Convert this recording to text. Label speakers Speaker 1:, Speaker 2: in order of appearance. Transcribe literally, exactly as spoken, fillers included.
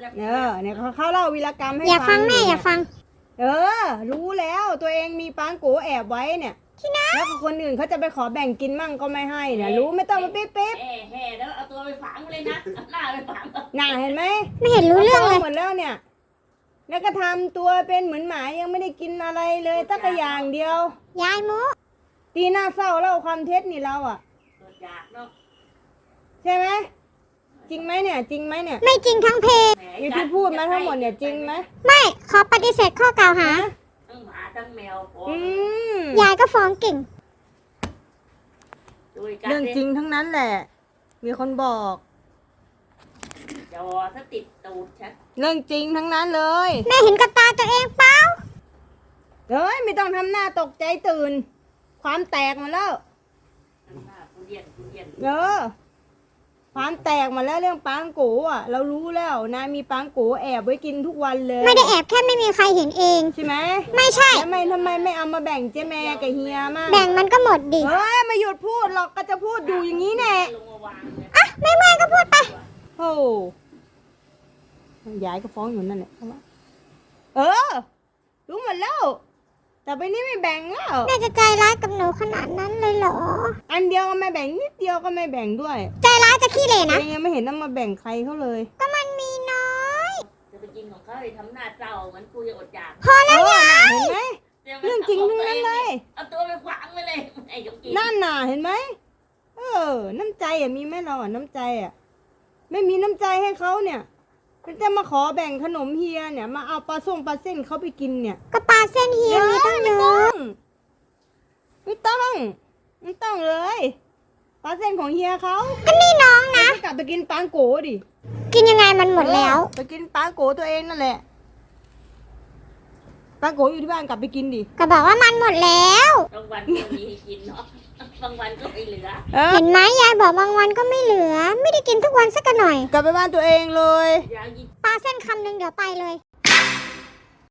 Speaker 1: เออเนี่ยเขาเขาเล่าวีรกรรมให้
Speaker 2: อย่าฟังแม่
Speaker 1: เนี่
Speaker 2: อย่าฟัง
Speaker 1: เออ รู้แล้วตัวเองมีปังโกแอบไว้เนี่ยแล้วคนอื่นเขาจะไปขอแบ่งกินมั่งก็ไม่ให้เนี่ยรู้ไม่ต้องมาปิ๊บปิ๊บ
Speaker 3: แห่แห่แล้วเอาตัวไปฝังเลยนะเอาหน้าไปฝัง
Speaker 1: น่าเห็นไหม
Speaker 2: ไม่เห็นรู้เรื่องเลย
Speaker 1: หมดแล้วเนี่ย แล้วก็ทำตัวเป็นเหมือนหมายังไม่ได้กินอะไรเลยตั้งแต่อย่างเดียวย
Speaker 2: ายโม
Speaker 1: ตีหน้าเศร้าเล่าความเท็จนี่เราอ่ะ
Speaker 3: เกิดอยากเนาะ
Speaker 1: ใช่ไหมจริงไหมเนี่ย จริงไหมเนี่ย
Speaker 2: ไม่จริงทั้งเพจ
Speaker 3: แห
Speaker 1: อยู่ที่พูดมาทั้งหมดเนี่ยจริงไหม
Speaker 2: ไม่ขอปฏิเสธข้อกล่าวหา
Speaker 3: ทั้งหมาทั้งแมวโอ้
Speaker 1: อืม
Speaker 2: ยายก็ฟ้องเก่ง
Speaker 3: ดูอีกการ
Speaker 1: เรื่องจริงทั้งนั้นแหละ มีคนบอก
Speaker 3: จอถ้าติดตูดฉัน
Speaker 1: เรื่องจริงทั้งนั้นเลย
Speaker 2: แม่เห็นกับตาตัวเองเปล่า
Speaker 1: เฮ้ยไม่ต้องทำหน้าตกใจตื่น ความแตกมาแล้ว
Speaker 3: หน้าผู้เรียนผู้เรียน
Speaker 1: เออความแตกมาแล้วเรื่องปังโกอ่ะ เรารู้แล้วนะมีปังโกแอบไว้กินทุกวันเลย
Speaker 2: ไม่ได้แอบแค่ไม่มีใครเห็นเอง
Speaker 1: ใช่ไหม
Speaker 2: ไม่ใช่
Speaker 1: แล้วทำไมทำไมไม่เอามาแบ่งเจ๊แม่กับเฮียมาก
Speaker 2: แบ่งมันก็หมดดิ
Speaker 1: เฮ้ยไม่หยุดพูดหรอกก็จะพูดอยู่อย่างนี้แน่
Speaker 3: ลงมาวางเลย
Speaker 2: อ่ะไม่ไม่ก็พูดไป
Speaker 1: โอ้ยายก็ฟ้องอยู่นั่นแหละเออรู้หมดแล้วแต่ไปนี้ไม่แบ่งแล้ว
Speaker 2: แม่จะใจร้ายกับหนูขนาดนั้นเลยเหรอ
Speaker 1: อันเดียวก็ไม่แบ่งนิดเดียวก็ไม่แบ่งด้วย
Speaker 2: ใจร้ายจะขี้เหร่นะ
Speaker 1: ยังไม่เห็นต้องมาแบ่งใครเขาเลย
Speaker 2: ก็มันมีน้อย
Speaker 3: จะไปกินของเขาไปทำหน้าเศร้าเหมือนกูจะอดอยาก
Speaker 2: พอแล้ว
Speaker 1: เออย
Speaker 2: าย
Speaker 1: เห็นไหม เรื่องจริงทั้งนั้นเลย
Speaker 3: เอาตัวไปฝังไปเลยไอ้ยกกิน
Speaker 1: นั่นน่ะเห็นไหมเออ น้ำใจอ่ะมีไหมเราอ่ะน้ำใจอ่ะ ไม่มีน้ำใจให้เขาเนี่ยจะมาขอแบ่งขนมเฮียเนี่ยมาเอาปลาส้มปลาเส้นเขาไปกินเนี่ย
Speaker 2: ก็ปลาเส้นเฮียมีตั้งเย
Speaker 1: ไม่
Speaker 2: อะ
Speaker 1: ต้องไม่ต้องไม่ต้องเลยปลาเส้นของเฮียเขา
Speaker 2: ก็นี่น้องนะ
Speaker 1: กลับไปกินปังโกดิ
Speaker 2: กินยังไงมันหมดแล้ว
Speaker 1: เออไปกินปังโกตัวเองนั่นแหละปังโกอยู่ที่บ้านกลับไปกินดิ
Speaker 2: ก็บอกว่ามันหมดแล้ว
Speaker 3: บางวันก็มีให้กินเนาะบางวันก็ไม่เหลือ
Speaker 1: เออ
Speaker 2: เห็นไหมยายบอกบางวันก็ไม่เหลือ ไม่ได้กินทุกวันสักหน่อย
Speaker 1: กลับไปบ้านตัวเองเลย
Speaker 3: ยาวยิ่ง
Speaker 2: ปลาเส้นคำหนึ่งเดี๋ยวไปเลย